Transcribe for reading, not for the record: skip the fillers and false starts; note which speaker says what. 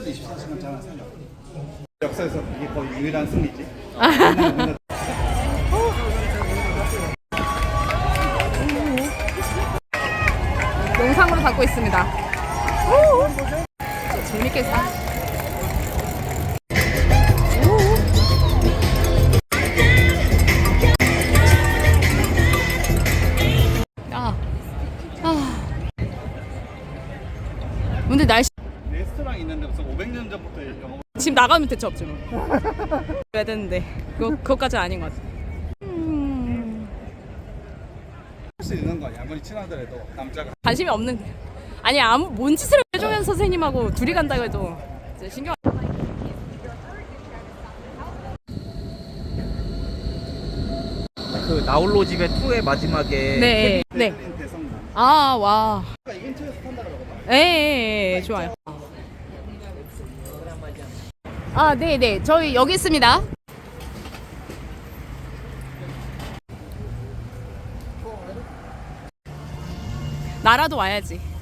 Speaker 1: 24시간 자는 승리. 역사에서 이게 거의 유일한 승리지.
Speaker 2: 영상으로 받고 있습니다. 재밌겠다. 근데 날씨
Speaker 1: 레스토랑 있는데 무슨 500년 전부터 영어
Speaker 2: 지금 나가면 대체 없지 뭐. 해야 되는데 그것까지 아닌 것 같아.
Speaker 1: 할수 있는 거 아니야? 아무리 친하더라도 남자가.
Speaker 2: 관심이 없는. 아니 뭔 짓을 해종현 선생님하고 둘이 간다고 해도 이제 신경.
Speaker 3: 그 나홀로 집의 2의 마지막에
Speaker 2: 네. 네.
Speaker 1: 베를린 대성당.
Speaker 2: 아 와.
Speaker 1: 이 근처에서 탄다 그러거든.
Speaker 2: 예, 좋아요. 아, 네. 저희 여기 있습니다. 나라도 와야지.